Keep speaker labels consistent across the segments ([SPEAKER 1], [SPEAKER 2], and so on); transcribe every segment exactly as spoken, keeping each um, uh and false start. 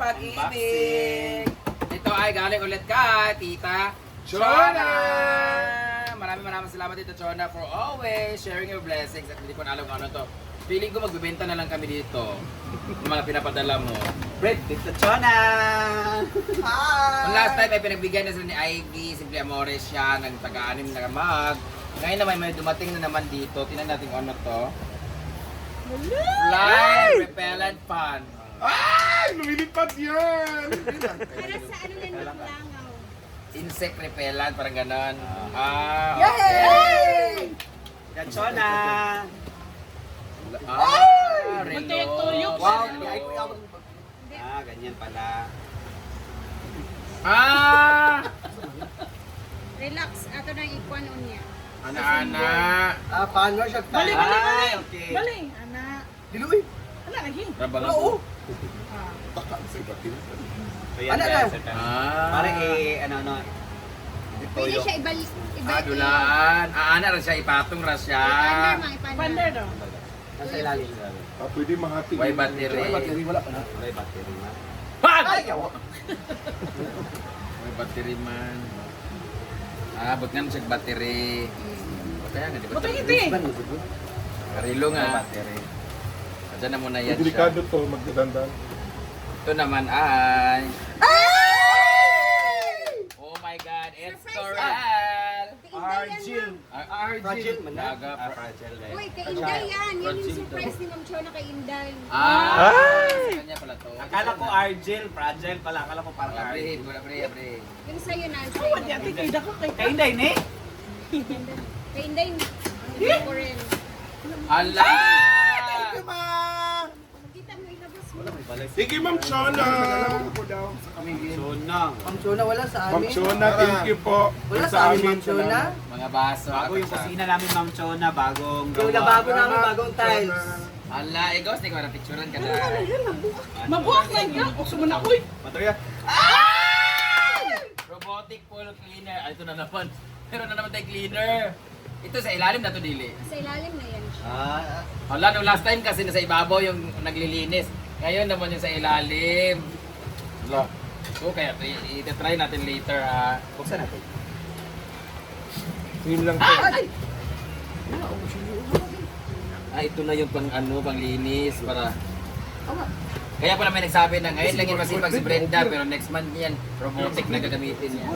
[SPEAKER 1] pag-ibig. Ito ay galing ulit ka, Tita
[SPEAKER 2] Chona!
[SPEAKER 1] Maraming maraming salamat Tita Chona for always sharing your blessings. At hindi ko na alam kung ano to. Feeling ko magbibenta na lang kami dito. Yung mga pinapadala mo.
[SPEAKER 3] Bread, Tita Chona!
[SPEAKER 1] Ang last time ay pinagbigyan na sila ni Ivy, Simple Amores siya, ng taga-anim na mag. Ngayon naman may dumating na naman dito. Tingnan natin kung ano to. Fly repellent fan.
[SPEAKER 2] Ay! Lumilipad yan!
[SPEAKER 4] Para sa ano yan, langaw.
[SPEAKER 1] Insect repellent, parang ganon. Ah,
[SPEAKER 4] Yay!
[SPEAKER 1] okay.
[SPEAKER 3] Tita Chona!
[SPEAKER 1] Ah, relo.
[SPEAKER 3] Wow!
[SPEAKER 1] Relo.
[SPEAKER 3] Ah, ganyan pala.
[SPEAKER 1] Ah!
[SPEAKER 4] Relax, ato na ikuan unya.
[SPEAKER 1] Ana-ana.
[SPEAKER 3] Ah, paano siya?
[SPEAKER 5] Bali, bali, bali.
[SPEAKER 3] Ay, okay.
[SPEAKER 5] Bali, ana.
[SPEAKER 2] Diluwi!
[SPEAKER 5] Ana lagi.
[SPEAKER 1] Rabang
[SPEAKER 2] Oo!
[SPEAKER 5] Ah.
[SPEAKER 2] Taka sa iba't yun.
[SPEAKER 3] So, yan,
[SPEAKER 2] Ano
[SPEAKER 3] guys.
[SPEAKER 2] na?
[SPEAKER 1] Ah.
[SPEAKER 3] Parang eh, ano, ano. Ito
[SPEAKER 4] Pwede
[SPEAKER 3] yung...
[SPEAKER 4] siya ibalik.
[SPEAKER 1] Ah, dulaan. Ah, ana ra siya, ipatong ra siya.
[SPEAKER 4] Ipander, mga ipander.
[SPEAKER 5] Pander daw.
[SPEAKER 3] Nasa ilalim.
[SPEAKER 2] Ah, pwede mahati.
[SPEAKER 1] May battery.
[SPEAKER 2] May battery, wala pa na.
[SPEAKER 3] May battery na.
[SPEAKER 1] Pag!
[SPEAKER 2] Ay, yawa!
[SPEAKER 1] May battery man. Ah, but nga siya battery. O kaya nga, di ba?
[SPEAKER 5] Buti iti.
[SPEAKER 1] Karilo
[SPEAKER 3] May
[SPEAKER 1] nga.
[SPEAKER 3] battery.
[SPEAKER 1] Diyan na muna yan
[SPEAKER 2] Delikado
[SPEAKER 1] siya.
[SPEAKER 2] to, magdadandan.
[SPEAKER 1] Ito naman ay... Oh my God, it's
[SPEAKER 4] Surprise!
[SPEAKER 1] Coral!
[SPEAKER 3] Argil.
[SPEAKER 1] Ar- Argil.
[SPEAKER 3] Fragile man na.
[SPEAKER 1] Baga,
[SPEAKER 3] Ah,
[SPEAKER 1] fra-
[SPEAKER 3] fragile na
[SPEAKER 4] Uy,
[SPEAKER 3] yun.
[SPEAKER 4] kay Inday yan. Yan yung
[SPEAKER 1] Fragile
[SPEAKER 4] surprise ni Ma'am Chona kay Inday.
[SPEAKER 1] Ah! Sa kanya pala to.
[SPEAKER 3] Akala ko Argil, fragile pala. Akala ko parang
[SPEAKER 1] Wala pre,
[SPEAKER 3] Argil.
[SPEAKER 1] wala pre, pre.
[SPEAKER 4] Yung sa'yo na.
[SPEAKER 5] Oh, wadi ati kay dako kay
[SPEAKER 3] Kay Inday, ne?
[SPEAKER 4] Kay Inday, hindi ko rin.
[SPEAKER 1] Ala!
[SPEAKER 2] Ma!
[SPEAKER 4] Makita mo ilabas mo.
[SPEAKER 2] Sige, Ma'am Chona!
[SPEAKER 3] Chona.
[SPEAKER 6] Ma'am Chona, wala sa
[SPEAKER 2] Ma'am
[SPEAKER 6] amin.
[SPEAKER 2] Chona, thank you po.
[SPEAKER 6] Wala
[SPEAKER 2] Sa
[SPEAKER 6] sa amin,
[SPEAKER 2] amin,
[SPEAKER 6] Ma'am Chona.
[SPEAKER 1] Mga baso.
[SPEAKER 3] Bago yung
[SPEAKER 1] kapatid.
[SPEAKER 3] kusina namin, Ma'am Chona. Bagong
[SPEAKER 6] Yung
[SPEAKER 3] gawa.
[SPEAKER 6] lababo namin, bagong tiles.
[SPEAKER 1] Ala, egos, di ko na picturean ka na.
[SPEAKER 5] mabuhak na yun. Ukso mo na uy.
[SPEAKER 3] Matuya.
[SPEAKER 1] Robotic pool cleaner. Ah, ito na naman. Meron na naman tayo cleaner. Ito sa ilalim na to, Dili.
[SPEAKER 4] Sa ilalim na yan siya.
[SPEAKER 3] Ah,
[SPEAKER 1] Hala, nung last time kasi nasa ibabaw yung naglilinis. Ngayon naman yung sa ilalim. Hala. So, kaya i- i-try natin later ha.
[SPEAKER 3] buksan natin.
[SPEAKER 2] Yun lang po.
[SPEAKER 1] Ah, ito na yung pang ano, pang linis para... Kaya pala may nagsabi na ngayon lang yung masipag si Brenda pero next month yan, robotic na gagamitin niya.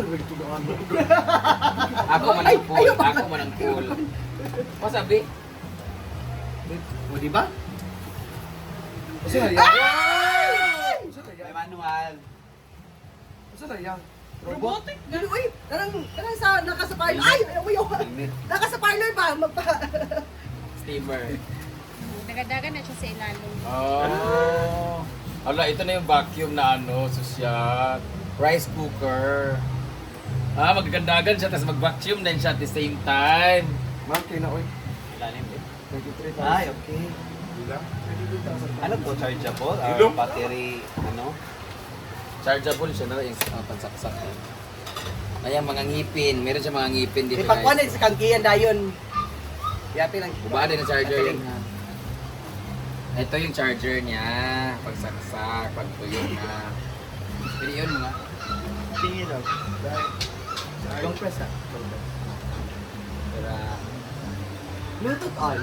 [SPEAKER 1] Ako man ang cool, ako man ang cool. O sabi?
[SPEAKER 6] O, di ba?
[SPEAKER 2] Kasi na yan.
[SPEAKER 3] May manual.
[SPEAKER 2] Kasi na yan.
[SPEAKER 5] Robotic na.
[SPEAKER 6] Dili, uy, tarang, tarang sa, naka sa parlor. Ay, ay, uy, uy, naka sa parlor ba? Magpa...
[SPEAKER 1] Steamer.
[SPEAKER 4] Nagadagan na siya sa ilalim.
[SPEAKER 1] Oh. Hala, ito na yung vacuum na ano, susya. Rice cooker. Ah, magagandagan siya, tapos mag-vacuum din siya at the same time.
[SPEAKER 2] Ma'am, kayo na, oy.
[SPEAKER 3] Ilalim din.
[SPEAKER 2] twenty-three
[SPEAKER 3] Ay,
[SPEAKER 2] thousand.
[SPEAKER 3] okay.
[SPEAKER 2] Bilang?
[SPEAKER 3] Ano to? Chargeable? Or
[SPEAKER 2] Ilong?
[SPEAKER 3] battery? Ano?
[SPEAKER 1] Chargeable siya na yung uh, pansaksak. Ayan, mga ngipin. Meron siya mga ngipin dito,
[SPEAKER 6] Ipakwan
[SPEAKER 1] guys.
[SPEAKER 6] na sa kangkiyan dayon. Yati lang.
[SPEAKER 1] Bubaan din ang charger
[SPEAKER 6] Katiling.
[SPEAKER 1] yun. Ito yung charger niya. Pagsaksak, pagtuyo na. Pwede yun mga.
[SPEAKER 3] Tingin lang.
[SPEAKER 6] Long press ah.
[SPEAKER 1] Para...
[SPEAKER 6] Bluetooth on.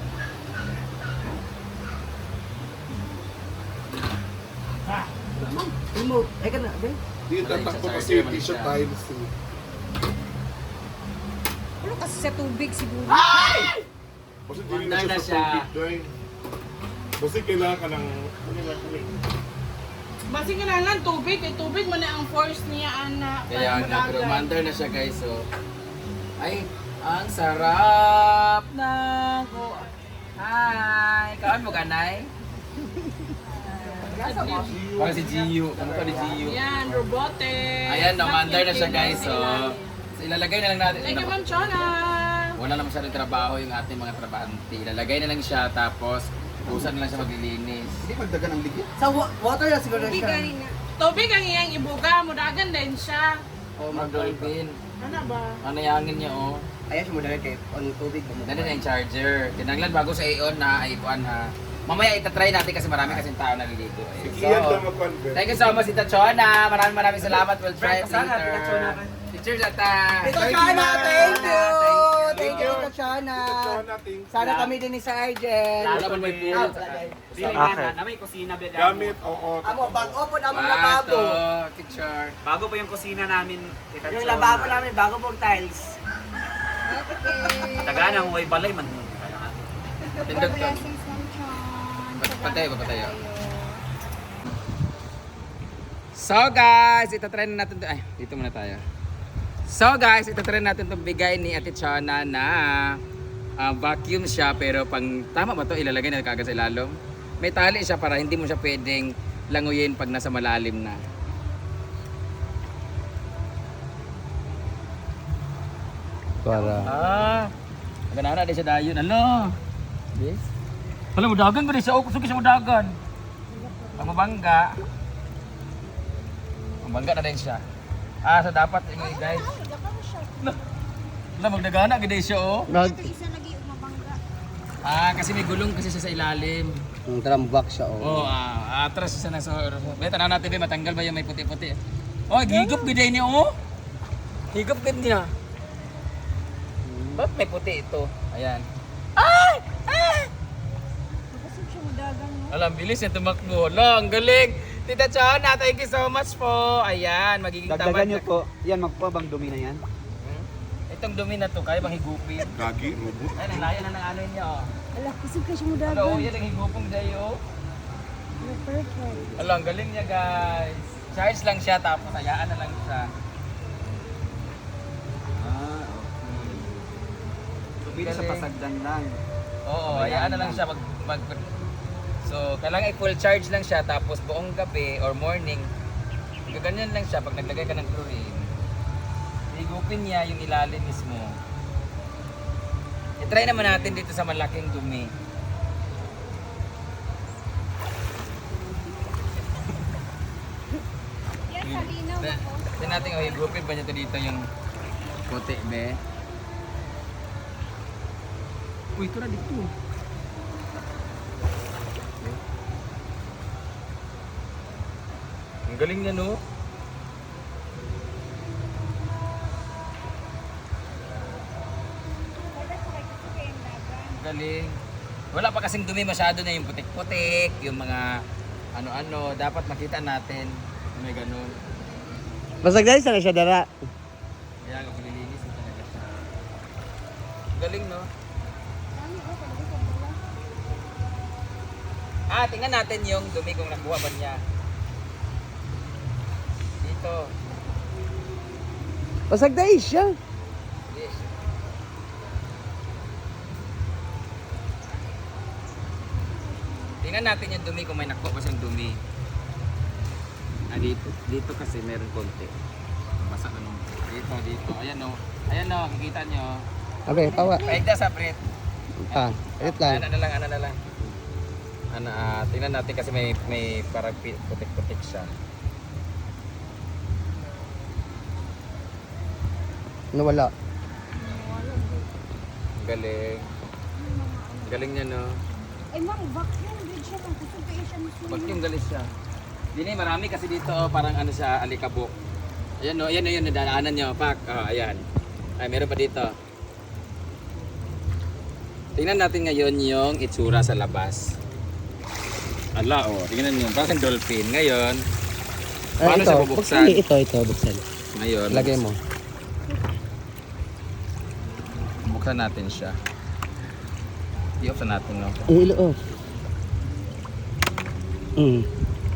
[SPEAKER 6] Ma'am, remote. Ay ka na, ben.
[SPEAKER 2] Di yung tatakbo kasi yung t-shirt tayo.
[SPEAKER 4] Pero kasi sa tubig siguro.
[SPEAKER 2] Kasi hindi
[SPEAKER 1] Mandar na
[SPEAKER 2] na siya
[SPEAKER 1] siya.
[SPEAKER 2] sa tubig doon. Kasi kailangan ka ng... Ano nga ko eh.
[SPEAKER 5] Basi kailangan tubig. Kay tubig mo na ang force niya, ana.
[SPEAKER 1] Kaya nga, pero mandar na siya guys. So, ay, ang sarap ng ko. Hi! Kaan mo kanay? Parang si Gio. Ano ka ni Gio?
[SPEAKER 5] Yan, robotic.
[SPEAKER 1] Ayan, namandar na siya guys. So,
[SPEAKER 5] Ilalim.
[SPEAKER 1] so, ilalagay na lang natin.
[SPEAKER 5] Thank you, Ma'am Chona.
[SPEAKER 1] Wala naman masyadong trabaho yung ating mga trabahante. Ilalagay na lang siya tapos busan na lang siya maglilinis.
[SPEAKER 3] Hindi magdagan ng ligit.
[SPEAKER 6] Sa wa- water na siguro
[SPEAKER 4] Tubig
[SPEAKER 6] siya.
[SPEAKER 4] kanina.
[SPEAKER 5] Tubig ang iyang ibuga. Mudagan din siya.
[SPEAKER 1] Oh, mag-dolphin.
[SPEAKER 5] Ano ba?
[SPEAKER 1] Ano yangin niya oh.
[SPEAKER 6] Ayan siya mo dahil kay on tubig.
[SPEAKER 1] Dali na yung charger. Tinanglan bago sa i-on na, ay ikuan ha. Mamaya itatry natin kasi marami kasing tao naliligo. Eh.
[SPEAKER 2] Si Kian daw mag-convert.
[SPEAKER 1] Thank you so much, Tita Chona. Maraming maraming salamat. We'll try it
[SPEAKER 3] Sana,
[SPEAKER 1] later.
[SPEAKER 3] Tita Chona.
[SPEAKER 1] Cheers, Ata.
[SPEAKER 6] Tito Chana, thank you! Thank you, Tito Chana.
[SPEAKER 2] Chona, thank you.
[SPEAKER 6] Sana kami din ni Sir Arjen.
[SPEAKER 1] Wala pa may pool.
[SPEAKER 3] Dili nga na, may kusina ba
[SPEAKER 2] Gamit, oo.
[SPEAKER 6] Amo, bago po na mga
[SPEAKER 1] Bato,
[SPEAKER 6] lababo.
[SPEAKER 1] picture.
[SPEAKER 3] Bago pa yung kusina namin. Tita
[SPEAKER 6] Yung
[SPEAKER 3] Chona.
[SPEAKER 6] lababo namin, bago pong tiles.
[SPEAKER 4] Okay.
[SPEAKER 3] Taga ng way balay man.
[SPEAKER 1] Pindot to.
[SPEAKER 4] Blessings ng Chan.
[SPEAKER 1] Pat- patay ba, patay, oh. So guys, itatry na natin to. Ay, dito muna tayo. So guys, itatry natin itong bigay ni Ate Chona na ah, vacuum siya pero pang tama ba to ilalagay na kagad sa ilalom? May tali siya para hindi mo siya pwedeng languyin pag nasa malalim na.
[SPEAKER 3] Para.
[SPEAKER 1] Ah, ganana din siya dayon. Ano? Yes. Wala mo dagan ba din siya? O, suki siya mo dagan. Ang mabangga. Mabangga na din siya. Ah, so dapat ingay guys. Wala magdagana gid siya oh.
[SPEAKER 4] Ito isa lagi umabangga.
[SPEAKER 1] Ah, kasi may gulong kasi siya sa ilalim.
[SPEAKER 3] Ang trambak siya
[SPEAKER 1] Oh, ah, atras siya na sa. Be, tanaw natin be matanggal ba yung may puti-puti. Oh, higop gid niya oh. Higop gid niya. Ba't may puti ito? Ayan. Ay! Ay!
[SPEAKER 4] Kapasig siya madagan, no?
[SPEAKER 1] Alam, bilis niya tumakbo. Hala, ang galing. Tita Chona, thank you so much po. Ayan, magiging
[SPEAKER 3] Dagdagan
[SPEAKER 1] tamad
[SPEAKER 3] nyo
[SPEAKER 1] na-
[SPEAKER 3] po. Yan, magpo bang dumi na yan?
[SPEAKER 1] Hmm? Itong dumi na to, kaya bang higupin?
[SPEAKER 2] Gagi, robot.
[SPEAKER 1] Ay, nalaya na ng ano niya oh.
[SPEAKER 4] Ala, kasig ka siya
[SPEAKER 1] Ano,
[SPEAKER 4] madagan.
[SPEAKER 1] oh, yan ang higupong dyan oh.
[SPEAKER 4] Ala, perfect.
[SPEAKER 1] Hala, ang galing niya guys. Charge lang siya, tapos hayaan na lang siya.
[SPEAKER 3] Ah, okay. Dumi sa
[SPEAKER 1] Galing.
[SPEAKER 3] pasagdan lang.
[SPEAKER 1] Oo, hayaan na lang siya mag, mag So, kailangan i-full charge lang siya tapos buong gabi or morning gaganyan lang siya pag naglagay ka ng chlorine. Higupin niya yung ilalim mismo. I-try naman natin dito sa malaking dumi.
[SPEAKER 4] Yan, salinaw ako.
[SPEAKER 1] Tignan natin oh, higupin ba niya to dito yung puti, be? Uy, ito na dito. Ang galing niya, no? Ang galing. Wala pa kasing dumi masyado na yung putik-putik, yung mga ano-ano. Dapat makita natin na may ganun.
[SPEAKER 3] Pasagdan sa siya dara.
[SPEAKER 1] Kaya nga malilinis na talaga siya. Ang galing, no?
[SPEAKER 4] Dami ko, talaga sa bala.
[SPEAKER 1] Ah, tingnan natin yung dumi kung nakuha ba niya. Dito.
[SPEAKER 3] Pasagdan siya.
[SPEAKER 1] Yes. Tingnan natin yung dumi kung may nakuha ba siyang dumi. Ah, dito. Dito kasi meron konti. Basa na nung. Dito, dito. Ayan o. Ayan o, kikita nyo.
[SPEAKER 3] Okay, tawa.
[SPEAKER 1] Paigda sa Brit.
[SPEAKER 3] Ah, edit
[SPEAKER 1] Ano na lang, ano na lang. Ano, ah, tingnan natin kasi may may parang pi- putik-putik siya.
[SPEAKER 3] Nawala.
[SPEAKER 1] Galing. Galing niya, no?
[SPEAKER 4] Eh, mang, vacuum din siya. Mang kusog kayo siya masunog.
[SPEAKER 1] Vacuum galing siya. Dini, marami kasi dito, oh, parang ano siya, alikabok. Ayan, no? Ayan, ayan, nadaanan niyo. Pak, oh, ayan. Ay, meron pa dito. Tingnan natin ngayon yung itsura sa labas. Ala, oh. Tingnan niyo. Parang dolphin. Ngayon, paano siya bubuksan?
[SPEAKER 3] Ito, ito, buksan.
[SPEAKER 1] Ngayon,
[SPEAKER 3] Lagay mo.
[SPEAKER 1] buksan natin siya. I-off na natin, no?
[SPEAKER 3] Ilo off. Mm.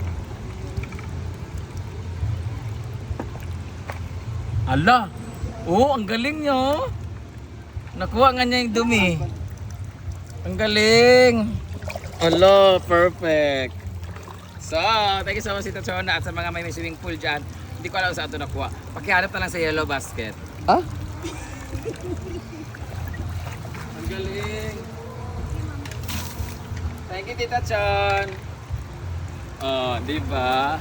[SPEAKER 1] Ala! Oo, ang galing niyo. Nakuha nga niya yung dumi. Ang galing! Ala, perfect! So, thank you so much, Tita Chona, at sa mga may swimming pool dyan. Hindi ko alam saan ito nakuha. Pakihanap na lang sa yellow basket.
[SPEAKER 3] Ah?
[SPEAKER 1] Ang galing! Thank you, Tita Chon! Oh, di ba?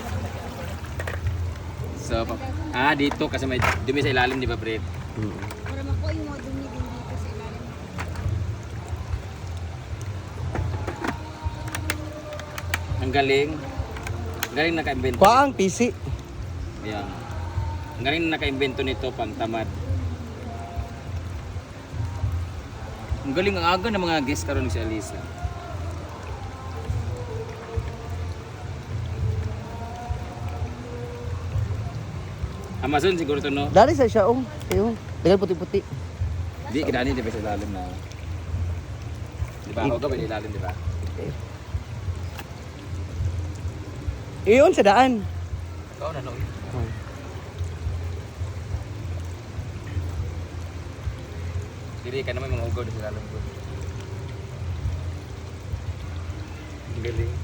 [SPEAKER 1] So, pa- ah, dito kasi may dumi sa ilalim, di ba, Brit?
[SPEAKER 3] Mm.
[SPEAKER 4] Para makuha yung mga dumi din dito sa ilalim.
[SPEAKER 1] Ang galing. Ang galing naka-invento.
[SPEAKER 3] Kuha ang P C.
[SPEAKER 1] Ayan. Ang galing na naka-invento nito pang tamad. Ang galing ang aga ng mga guest karon si Alisa. Amazon siguro to no?
[SPEAKER 3] Dari sa siya, um. Ayun. Dagan puti-puti.
[SPEAKER 1] Di, kinani di ba sa ilalim na? Di ba? Ako ka ba ilalim, di ba?
[SPEAKER 3] Iyon sa daan.
[SPEAKER 1] Ikaw na no? Diri ka naman mga ugaw di sa ilalim ko. Ang galing.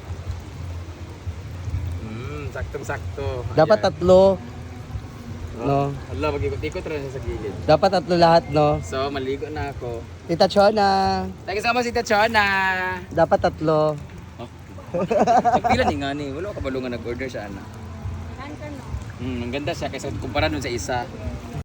[SPEAKER 1] Hmm, saktong-sakto.
[SPEAKER 3] Dapat
[SPEAKER 1] Ayan.
[SPEAKER 3] tatlo. No.
[SPEAKER 1] Allah, mag-ikot-ikot rin siya sa gilid.
[SPEAKER 3] Dapat tatlo lahat, no.
[SPEAKER 1] So, maligo na ako.
[SPEAKER 3] Tita Chona.
[SPEAKER 1] Thank you so much, Tita Chona!
[SPEAKER 3] Dapat tatlo.
[SPEAKER 1] Oh. Pagpila ni nga ni, wala ko kabalungan nag-order siya, ana.
[SPEAKER 4] Kan ka no?
[SPEAKER 1] Hmm, ang ganda siya kaysa kumpara dun sa isa.